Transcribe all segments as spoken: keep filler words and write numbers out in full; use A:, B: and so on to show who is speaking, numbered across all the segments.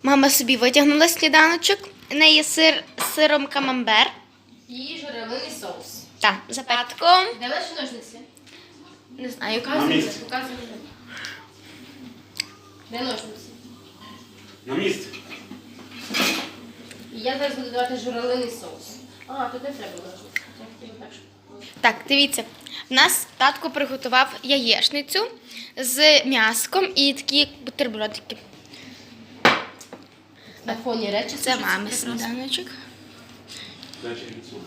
A: Мама собі витягнула сніданочок. У неї сир з сиром камамбер.
B: І журавлиний соус.
A: Так, за п'ятком.
B: Де ваші ножниці?
A: Не знаю,
B: Показуйте, показуйте. Де ножниці?
C: На місці.
B: І я зараз буду давати журавлиний соус. А, тут не треба ножниці. Я хотіла так, щоб...
A: Так, дивіться. В нас татко приготував яєчницю з м'яском і такі бутербродики.
B: На фоні речі.
A: Це мами сніданочок.
C: Дача відсу.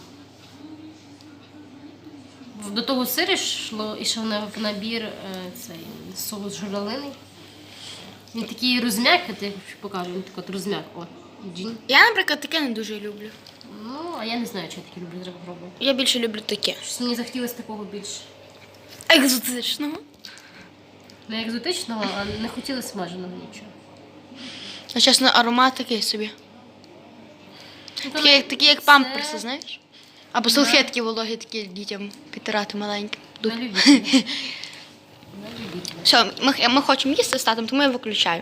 B: До того сиру йшло, йшов на- в набір е, цей соус журавлиний. Він такий розм'як, я тобі покажу, він такий от розм'як. О, джін.
A: Я, наприклад, таке не дуже люблю.
B: Ну, а я не знаю, чи я таке люблю, треба пробувати.
A: Я більше люблю таке.
B: Щось мені захотілося такого більш
A: Екзотичного.
B: не екзотичного, а не хотілося смаженого нічого.
A: А чесно, аромат такий собі.
B: Ну,
A: Такі, як- такі як
B: це
A: памперси, знаєш? Або салфетки вологі такі дітям підтирати маленькі.
B: На любителя. На любителя.
A: Все, ми, ми хочемо їсти з татом, тому я виключаю.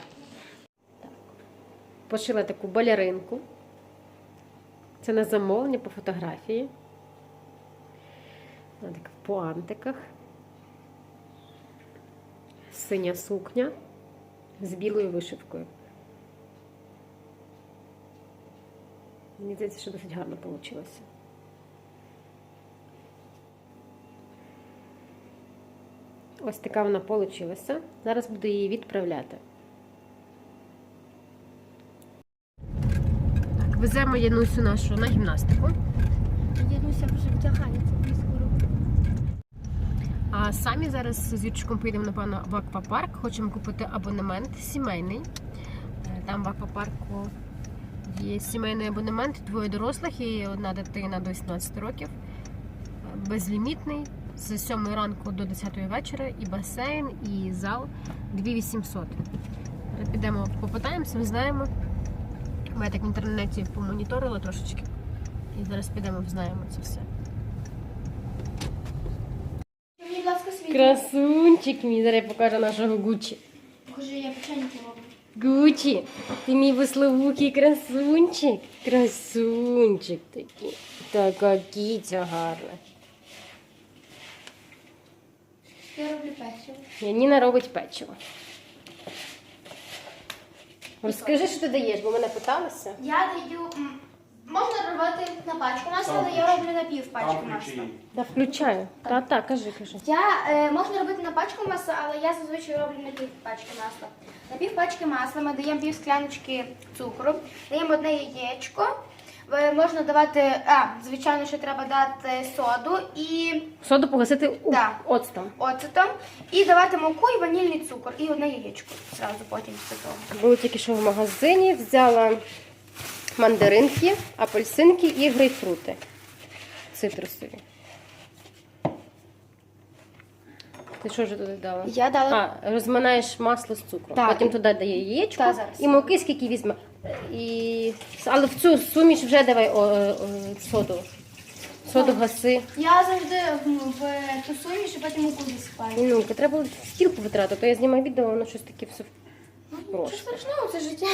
D: Пошила таку балеринку. Це на замовлення по фотографії. Вона така в пуантиках. Синя сукня з білою вишивкою. Мені здається, що досить гарно вийшло. Ось така вона вийшла. Зараз буду її відправляти. Так, веземо Янусю нашу на гімнастику.
A: Януся вже вдягається скоро.
D: А самі зараз з Юрчиком поїдемо, напевно, в аквапарк. Хочемо купити абонемент сімейний. Е, Там в аквапарку є сімейний абонемент, двоє дорослих і одна дитина до вісімнадцяти років. Е, Безлімітний, з сьомої ранку до десятої вечора, і басейн, і зал дві тисячі вісімсот. Зараз підемо попитаємося, знаємо. Я так в інтернеті помоніторила трошечки. І зараз підемо, знаємо це все.
A: Мені, будь ласка, світло.
D: Красунчик мій, зараз я покажу нашого Гучі.
A: Покажи, я печеньки роблю.
D: Гучі, ти мій висловукий красунчик. Красунчик такий. Така кіця гарна.
A: Я роблю печиво.
D: Яніна робить печиво. Розкажи, що ти даєш, бо мене питалися.
A: Я даю, м, можна робити на пачку масла, але я роблю на пів пачки
C: Там
A: масла.
C: ключі.
D: Да, включаю. Та, так, кажи, кажи.
A: Я, е, можна робити на пачку масла, але я зазвичай роблю на пів пачки масла. На пів пачки масла ми даємо пів скляночки цукру, даємо одне яєчко. Е, Можна давати, а, звичайно, що треба дати соду і
D: Соду погасити у
A: Да.
D: оцтом.
A: оцетом, і давати муку і ванільний цукор, і одне яєчко зразу потім після того.
D: Було тільки що в магазині, взяла мандаринки, апельсинки і грейпфрути. Цитрусові. Ти що ж туди дала?
A: Я дала
D: А, розминаєш масло з цукром.
A: Так.
D: Потім туди дає яєчко
A: Та, зараз.
D: і муки, скільки візьме. І... Але в цю суміш вже давай о, о, соду. Соду гаси.
A: Я завжди ну, в ту суміш і потім муку засипаю.
D: Ну, треба було стілку витратити, то я знімаю відео, воно щось таке все
A: Що
D: прошло.
A: страшного, це життя.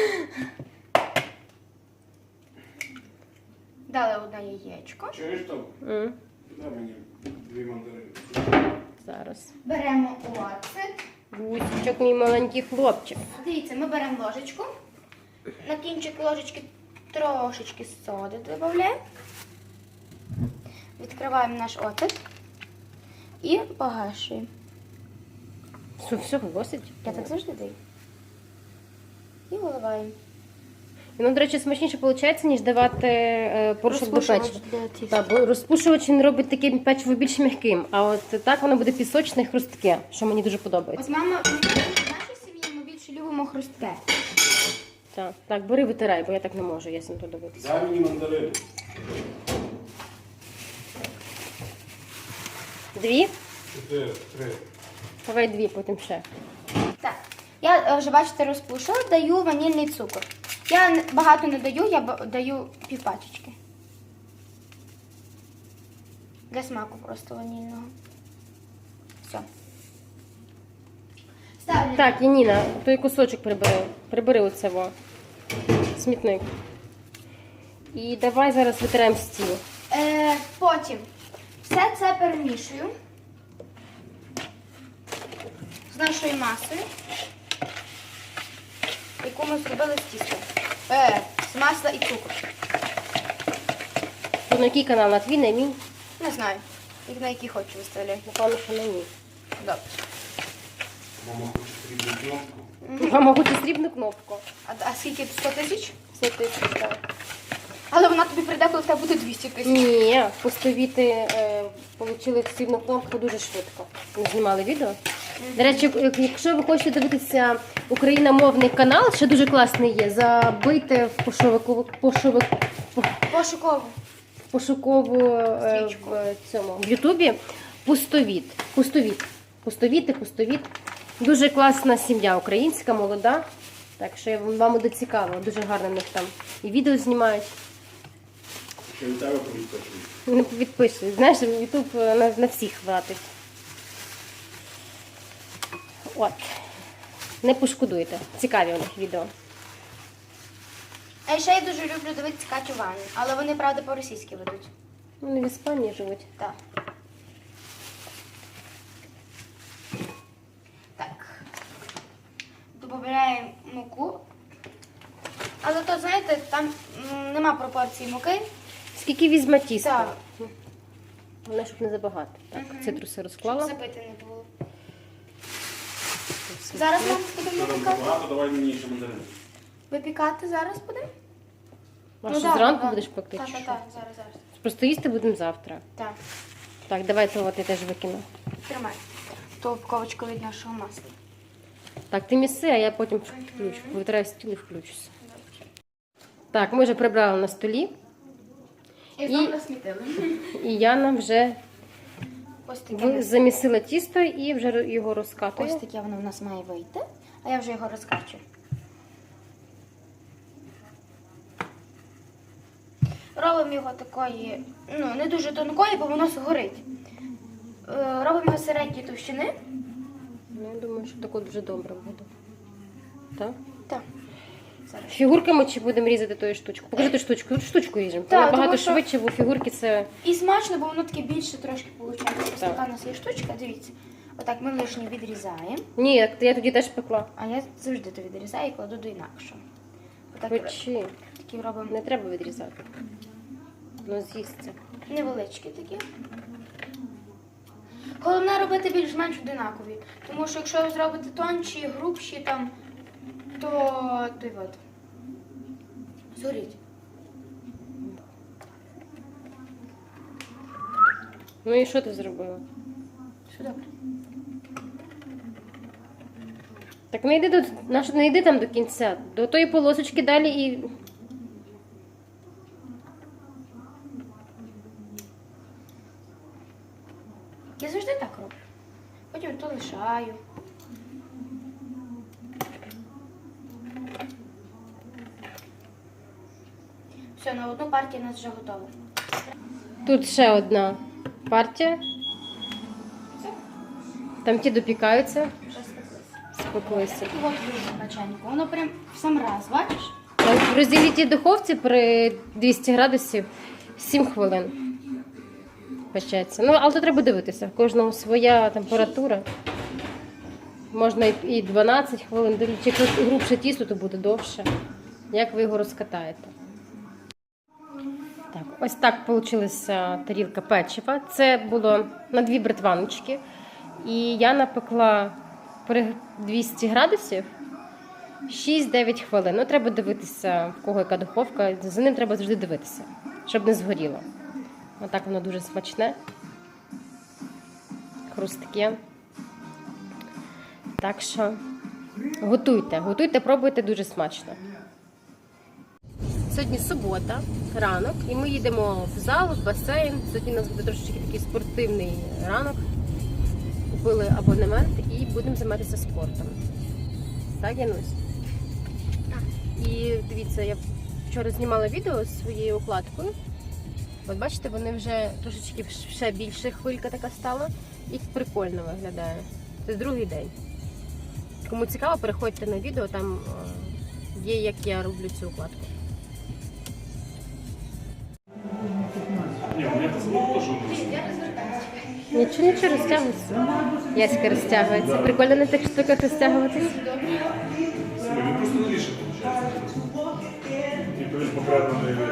A: Дали одне яєчко.
C: Чуєш там?
D: М,
C: Дай мені дві мандарини.
D: Зараз.
A: Беремо оцет.
D: Гусічок, мій маленький хлопчик.
A: Дивіться, ми беремо ложечку. На кінчик ложечки трошечки соди додаємо. Відкриваємо наш оцет і погашуємо.
D: Все, все, досить.
A: Я так завжди даю. І виливаємо.
D: Воно, до речі, смачніше виходить, ніж давати е, порошок до
A: Розпушувач
D: печива.
A: для тіста.
D: Так, бо розпушувач він робить таке печиво більш м'яким, а от так воно буде пісочне, хрустке, що мені дуже подобається.
A: От мама, в нашій сім'ї ми більше любимо хрустке.
D: Так, так, бери, витирай, бо я так не можу, я сам туди дивитися.
C: Дай мені мандарини.
D: Дві?
C: Чотири, три.
D: Давай дві, потім ще.
A: Так, я е, вже, бачите, розпушила, даю ванільний цукор. Я не- багато не даю, я ба- даю півпачечки. Для смаку просто ванільного. Все. Ставлю.
D: Так, Яніна, той кусочок прибери. Прибери оце во. Смітник. І давай зараз витираємо стіл.
A: Е, потім все це перемішую з нашою масою, яку ми зробили з тіста. Е, з масла і цукру.
D: То на який канал? На твій, на мій?
A: Не знаю, як на який хочу виставляю.
D: Напевно, що на мій.
A: Добре.
C: Мама хоче срібну кнопку.
D: Мама хоче срібну кнопку.
A: А, а скільки? сто тисяч?
D: Все тисяч, так.
A: Але вона тобі прийде, коли в тебе буде двісті тисяч.
D: Ні, постовіти е, отримали срібну кнопку дуже швидко. Ми знімали відео. До речі, як- якщо ви хочете дивитися україномовний канал, ще дуже класний є, забийте в пошовику, пошовик,
A: Пошуково.
D: пошукову е,
A: Стрічку.
D: в цьому в Ютубі пустовіт. Пустовіт. Пустовіти, пустовіт. Дуже класна сім'я українська, молода. Так що вам буде цікаво, дуже гарно в них там і відео знімають.
C: Ще від тебе повідпочують.
D: Не підписуй. Знаєш, Ютуб на, на всіх хватить. От. Не пошкодуйте. Цікаві у них відео.
A: А ще я дуже люблю дивитися Катю Ванну, але вони, правда, по-російськи ведуть.
D: Вони в Іспанії живуть.
A: Так. Так. Додаємо муку. Але то, знаєте, там м, нема пропорції муки.
D: Скільки візьме тіста?
A: Так.
D: Головне, щоб не забагато. Так,
A: Мгм.
D: цитруси розклала.
A: Забити не було. Зараз ми будемо
C: Зараз
A: випікати.
C: багато, давай мені ще мандарини.
A: Випікати зараз будемо?
D: А
A: Ну,
D: що,
A: да,
D: зранку
A: да.
D: будеш пекти?
A: Так,
D: чи
A: так,
D: що?
A: так, зараз, зараз.
D: Просто їсти будемо завтра.
A: Так,
D: Так, давай то от я теж викину.
A: тримай. То упаковочку від нашого масла.
D: Так, ти міси, а я потім включу. Витираю стіл і включуся. Так, ми вже прибрали на столі.
A: І
D: І-
A: знову насмітили.
D: І Яна вже
A: Ось таке.
D: в- замісила тісто і вже його розкатує.
A: Ось таке воно в нас має вийти, а я вже його розкачу. Робимо його такої, ну, не дуже тонкої, бо воно згорить. Е, Робимо його середньої товщини.
D: Ну, я думаю, що тако дуже добре буде. Так?
A: Так. Зараз.
D: Фігурками чи будемо різати тою штучку? Покажи ту штучку. Тут штучку ріжемо.
A: Так,
D: Набагато
A: тому що-
D: швидше, бо фігурки це.
A: І смачно, бо воно таке більше трошки виходить. Ось
D: Так.
A: така у нас є штучка, дивіться. Отак ми лишнє відрізаємо.
D: Ні, я- я тоді теж пекла.
A: А я завжди то відрізаю і кладу до інакшого. Отак
D: Печі.
A: такі робимо
D: Не треба відрізати. Ну, з'їсться.
A: невеличкі такі. Головне робити більш-менш одинакові. Тому що якщо ви зробите тонші, грубші там, то той от. Згоріть.
D: Ну і що ти зробила?
A: Все добре.
D: Так не йди до нащо не йди там до кінця. До тої полосочки далі і.
A: Я завжди так роблю. Потім то лишаю. Все, на одну партію у нас вже готова.
D: Тут ще одна партія.
A: Все,
D: Там ті допікаються,
A: вже спеклися.
D: спеклися.
A: І от дуже печенько. Воно прям в сам раз, бачиш?
D: В розділітій духовці при двісті градусів сім хвилин печеться. Ну, але то треба дивитися. В кожного своя температура. Можна і- і дванадцять хвилин, дивлячись, якщо грубше тісто, то буде довше. Як ви його розкатаєте? Так, ось так вийшла тарілка печива. Це було на дві бритваночки. І я напекла при двісті градусів шість-дев'ять хвилин. Ну, треба дивитися, в кого яка духовка. За ним треба завжди дивитися, щоб не згоріло. Отак воно дуже смачне. Хрустке. Так що готуйте, готуйте, пробуйте, дуже смачно. Сьогодні субота, ранок, і ми їдемо в зал, в басейн. Сьогодні у нас буде трошечки такий спортивний ранок. Купили абонемент і будемо займатися спортом. Так, Янусь?
A: Так.
D: І дивіться, я вчора знімала відео з своєю укладкою. От бачите, вони вже трошечки ще більше хвилька така стала. І прикольно виглядає. Це другий день. Кому цікаво, переходьте на відео, там е, є, як я роблю цю укладку.
C: Ні, у мене поцілунок теж не
D: Нічого, нічого, розтягується. Яська розтягується. Прикольно на тих штуках розтягуватись.
C: Він просто новіше, виходить. Типу він поправлений